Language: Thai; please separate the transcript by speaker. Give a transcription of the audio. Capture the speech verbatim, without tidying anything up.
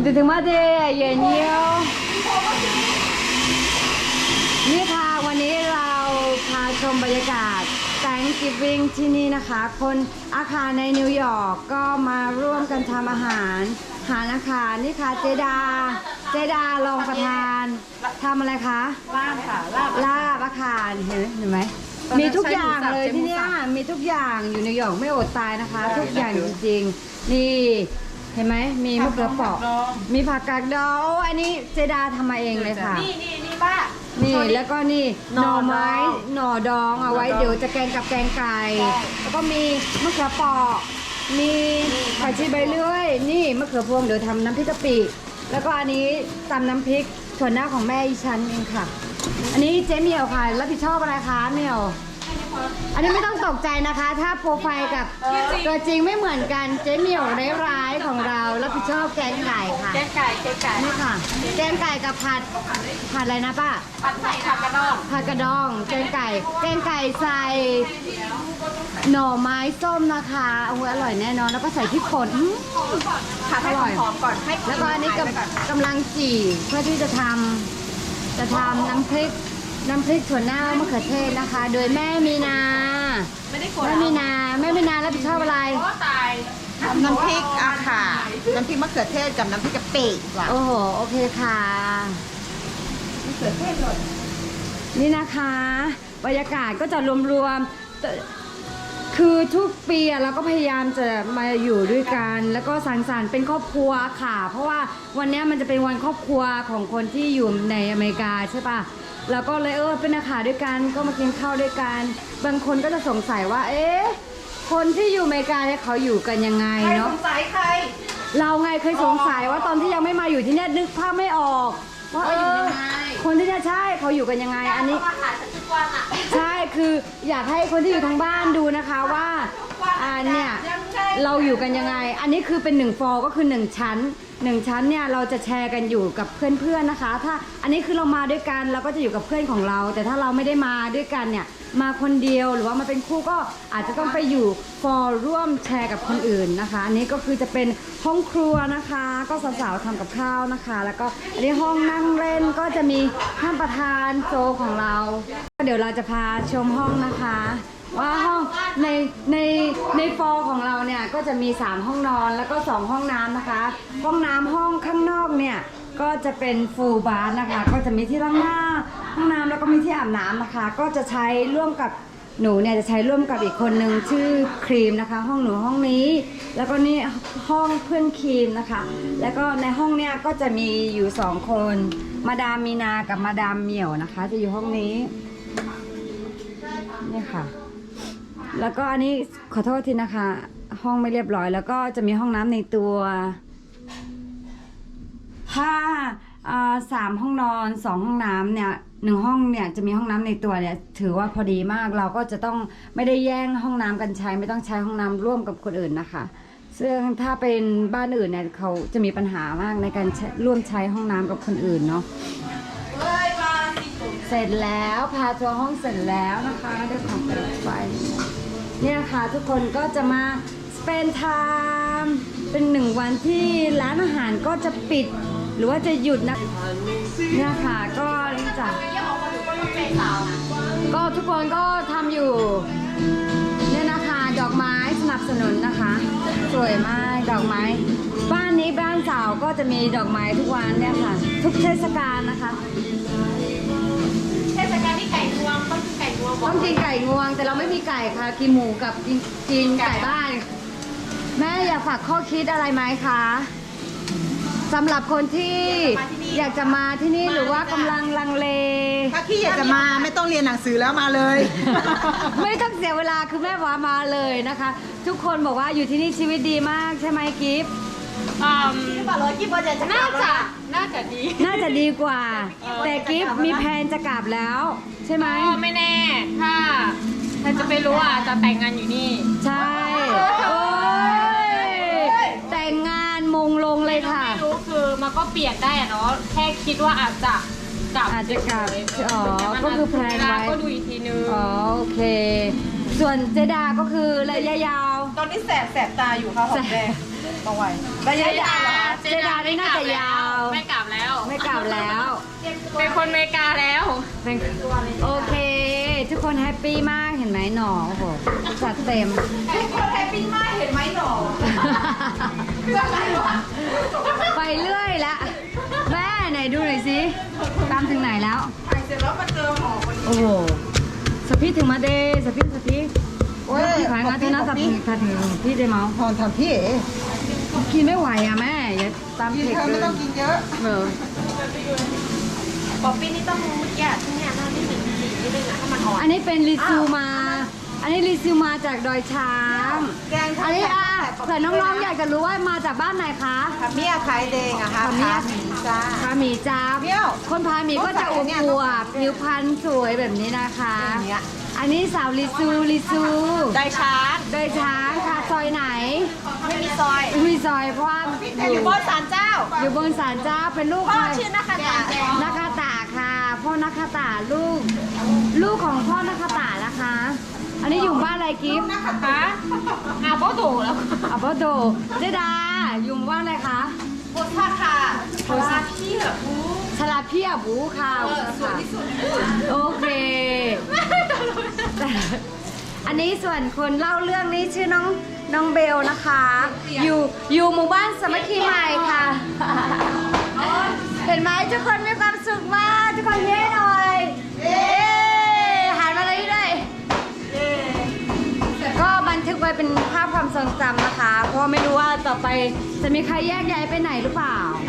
Speaker 1: ถึงถึงมาเดย์เย็นเยี่ยวนี่ค่ะวันนี้เราพาชมบรรยากาศ Thanksgiving ที่นี่นะคะคนอาคารในนิวยอร์กก็มาร่วมกันทำอาหารหารอาคารนี่ค่ะเจดาเจดารองประธานทำอะไรคะลาบค่ะลาบลาบอาคารเห็นเห็นไหมมีทุกอย่างเลยที่นี่มีทุกอย่างอยู่นิวยอร์กไม่อดตายนะคะทุกอย่างจริงๆนี่เห็นไหมมีมะเขือเปราะมีผักกาดดองอันนี้เจดาทำมาเองเลยค่ะ
Speaker 2: นี่นี่นี่ป้า
Speaker 1: นี่แล้วก็นี่หน่อไม้หน่อดองเอาไว้เดี๋ยวจะแกงกับแกงไก่แล้วก็มีมะเขือเปราะมีผักชีใบเลื่อยนี่มะเขือพวงเดี๋ยวทำน้ำพริกกะปิแล้วก็อันนี้ตำน้ำพริกถั่วหน้าของแม่อีฉันเองค่ะอันนี้เจ๊เหมียวค่ะรับผิดชอบอะไรคะเหมียวอันนี้ไม่ต้องตกใจนะคะถ้าโปรไฟล์กับตัวจริงไม่เหมือนกันเจ๊เหมียวร้ายๆของเรารับผิดชอบแกงไก่ค่ะ
Speaker 2: แกงไก่แกงไก่
Speaker 1: นี่ค่ะแกงไก่กับผัดผัดอะไรนะป้า
Speaker 2: ผัดไข่ผัดกระดอง
Speaker 1: ผัดกระดองแกงไก่แกงไก่ใส่หน่อไม้ส้มนะคะโอ้โหอร่อยแน่นอนแล้วก็ใส่พริกป่น
Speaker 2: ผัดให้หอมก่อนให้
Speaker 1: แล้วก็อันนี้กำลังจี่เพื่อที่จะทำจะทำน้ำพริกน้ำพริกถั่วเน่ามะเขือเทศนะคะโดยแม่มีนา
Speaker 2: ไม่ได้กด
Speaker 1: แม่มีนาแม่มีนารับผิดชอบอะไร
Speaker 2: ตาย
Speaker 3: น้ำพริกอะค่ะน้ำพริกมะเขือเทศกับน้ำพริกกะปิ
Speaker 1: โอ้โหโอเคค่ะ
Speaker 3: มะเขือเทศหมด
Speaker 1: นี่นะคะบรรยากาศก็จะรวมๆคือทุกปีเราก็พยายามจะมาอยู่ด้วยกันแล้วก็สังสรรค์เป็นครอบครัวค่ะเพราะว่าวันนี้มันจะเป็นวันครอบครัวของคนที่อยู่ในอเมริกาใช่ปะแล้วก็เลยเออเป็นอาหารด้วยกันก็มากินข้าวด้วยกันบางคนก็จะสงสัยว่าเอ๊ะคนที่อยู่อเมริกาเนี่ยเขาอยู่กันยังไงเนาะ
Speaker 2: ใครสงสัยใคร
Speaker 1: เราไงเคยสงสัยว่าตอนที่ยังไม่มาอยู่ที่เนี่ยนึกภาพไม่ออกว่าเออคนที่เนี่ยใช่เขาอยู่กันยังไงอันนี้ใช่คืออยากให้คนที่อยู่ทางบ้านดูนะคะว่าอ่าเนี่ยเราอยู่กันยังไงอันนี้คือเป็นหนึ่งฟอร์ก็คือหนึ่งชั้นหนึ่งชั้นเนี่ยเราจะแชร์กันอยู่กับเพื่อนๆนะคะถ้าอันนี้คือเรามาด้วยกันเราก็จะอยู่กับเพื่อนของเราแต่ถ้าเราไม่ได้มาด้วยกันเนี่ยมาคนเดียวหรือว่ามาเป็นคู่ก็อาจจะต้องไปอยู่ฟอร์ร่วมแชร์กับคนอื่นนะคะอันนี้ก็คือจะเป็นห้องครัวนะคะก็สาวๆทำกับข้าวนะคะแล้วก็อันนี้ห้องนั่งเล่นก็จะมีท่านประธานโจของเราเดี๋ยวเราจะพาชมห้องนะคะว่าห้องในในในฟอร์ของเราเนี่ยก็จะมีสามห้องนอนแล้วก็สองห้องน้ำนะคะห้องน้ำห้องข้างนอกเนี่ยก็จะเป็นฟูลบาร์นะคะก็จะมีที่ล้างหน้าห้องน้ำแล้วก็มีที่อาบน้ำนะคะก็จะใช้ร่วมกับหนูเนี่ยจะใช้ร่วมกับอีกคนนึงชื่อครีมนะคะห้องหนูห้องนี้แล้วก็นี่ห้องเพื่อนครีมนะคะแล้วก็ในห้องเนี่ยก็จะมีอยู่สองคนมาดามมีนากับมาดามเหมียวนะคะจะอยู่ห้องนี้นี่ค่ะแล้วก็อันนี้ขอโทษทีนะคะห้องไม่เรียบร้อยแล้วก็จะมีห้องน้ำในตัวถ้าสามห้องนอนสองห้องน้ำเนี่ยหนึ่งห้องเนี่ยจะมีห้องน้ำในตัวเนี่ยถือว่าพอดีมากเราก็จะต้องไม่ได้แย่งห้องน้ำกันใช้ไม่ต้องใช้ห้องน้ำร่วมกับคนอื่นนะคะซึ่งถ้าเป็นบ้านอื่นเนี่ยเขาจะมีปัญหามากในการร่วมใช้ห้องน้ำกับคนอื่นเนาะเสร็จแล้วพาทัวร์ห้องเสร็จแล้วนะคะด้วยของเปิดไฟเนี่ยค่ะทุกคนก็จะมา spend time เป็นหนึ่งวันที่ร้านอาหารก็จะปิดหรือว่าจะหยุดนะเนี่ยค่ะก็นี่จ้ะก็ทุกคนก็ทำอยู่เนี่ยนะคะดอกไม้สนับสนุนนะคะสวยมากดอกไม้บ้านนี้บ้านสาวก็จะมีดอกไม้ทุกวันเนี่ยค่ะทุกเทศกาลนะคะ
Speaker 2: เทศกาลที่ไก่งวงต้องกินไก่งวง
Speaker 1: ต้องกินไก่งวงแต่เราไม่มีไก่ค่ะกินหมูกับกินกินไก่บ้านแม่อยากฝากข้อคิดอะไรไหมคะสำหรับคนที่อยากจะมาที่นี่หรือว่ากำลังลังเล
Speaker 3: ถ้าที่อยากจะมาไม่ต้องเรียนหนังสือแล้วมาเลย
Speaker 1: ไม่ต้องเสียเวลาคือแม่ว่ามาเลยนะคะ ทุกคนบอกว่าอยู่ที่นี่ชีวิตดีมากใช่ไหมกิฟต์
Speaker 2: น่าจะน่าจะดี
Speaker 1: น่าจะดีกว่าแต่กิฟต์มีแผนจะกลับแล้วใช่ไหม
Speaker 2: ไม่แน่ถ้าถ้าจะไปรู้อ่ะจะแต่งงานอยู่นี่
Speaker 1: ใช่โอ้ยแต่งงานมงลงเลยค่ะ
Speaker 2: ไม่รู้คือมันก็เปลี่ยนได้อะเนาะแค่คิดว่าอาจจะกลับ
Speaker 1: อาจจะกลับอ๋อก็คือแพลนไว้
Speaker 2: ก็ดูอีกทีนึง
Speaker 1: อ๋อโอเคส่วนเจดาก็คือระยะยาว
Speaker 2: ก็
Speaker 3: อนนี้แสบแสบตาอยู่ค่ะหอมแดงต้องไว้ระยะยาวเหรอคะ
Speaker 1: เจดานี่น่าจะยาว
Speaker 2: ไม่กลับแล้ว
Speaker 1: ไม่กลับแล้ว
Speaker 2: เป็นคนอเมริกาแล้ว
Speaker 1: เป็นโอเค ทุกคนแฮปปี้มากเห็นไหมหนอโอ้โหจัดเต็ม
Speaker 3: ทุกคนแฮปปี้มากเห็นไหมหนอคืออะไรวะ
Speaker 1: ไปเรื่อยละแม่ไหนดูหน่อยสิตามถึงไหนแล้ว
Speaker 3: ถ่ายเสร็จแล้วมาเจอหมอคนนี้
Speaker 1: โอ้โหสพิถึงมาเดสพิสพิ
Speaker 3: โอ้ย
Speaker 1: พี่ขายมาเท่านั้นสับถ้าถึงพี่ได้เมา
Speaker 3: หอนทำพี่เอ๋
Speaker 1: กินไม่ไหวอ่ะแม่อย่าตาม
Speaker 3: กิน
Speaker 1: เผ็ด
Speaker 3: เธอ
Speaker 1: เล
Speaker 3: ไม่
Speaker 1: ย
Speaker 3: ต้องกินเยอะ
Speaker 1: เออ
Speaker 2: ป๊อปปี้นี่ต้องรู้แก่ที่เนี่ยน่าที่ถึงสีนิดนึงอะถ้ามันอ่อน
Speaker 1: อันนี้เป็นรีซิวมา อันนี้รีซิวมาจากดอยช้าง
Speaker 3: แกง
Speaker 1: อันนี้อ่ะแต่น้องๆอยากจะรู้ว่ามาจากบ้านไหนคะ
Speaker 3: ค่ะเมี่ยขายแดงอะค่ะ
Speaker 1: ค่ะเมี่ย
Speaker 3: จ้า
Speaker 1: พาหมีจ้า
Speaker 3: เมี่ยว
Speaker 1: คนพาหมีก็จะอ
Speaker 3: ต้องใส่อันเนี้ยว
Speaker 1: บๆผิวพรรณสวยแบบนี้นะคะ
Speaker 3: อย่างเงี้ย
Speaker 1: อันนี้สาวรีซูรีซู
Speaker 3: ได้ชาร์จ
Speaker 1: ดอยช้างค่ะซอยไหน
Speaker 3: ไม่มีซอย
Speaker 1: มีซอยเพราะว่า
Speaker 3: แต่อยู่บนศาลเจ้า
Speaker 1: อยู่บนศาลเจ้าเป็นลูก
Speaker 3: พ่อ
Speaker 1: ใคร
Speaker 3: ชื่อนักขัตา
Speaker 1: นักคาตาค่ะ พ่อนักคาตาลูก ลูกของพ่อนักคาตานะคะ อันนี้อยู่บ้านอะไรกิฟต์
Speaker 2: คะอาโบโดแล้ว
Speaker 1: อัปโปโดเจดาอยู่บ้านอะไรคะ
Speaker 3: บนท่าค่ะ
Speaker 1: โพสาพี่เหรอบูชลาพี่อะบูค่ะสวยที่สุดโอเคแต่อันนี้ส่วนคนเล่าเรื่องนี้ชื่อน้องน้องเบลนะคะ อยู่อยู่หมู่บ้านสามัคคีใหม่ค่ะ เห็นไหมทุกคนมีความสุขมากทุกคนเย้หน่อยเย้หันมาเลยด้วยก็บันทึกไว้เป็นภาพความทรงจำนะคะ เพราะว่าไม่รู้ว่าต่อไปจะมีใครแยกย้ายไปไหนหรือเปล่า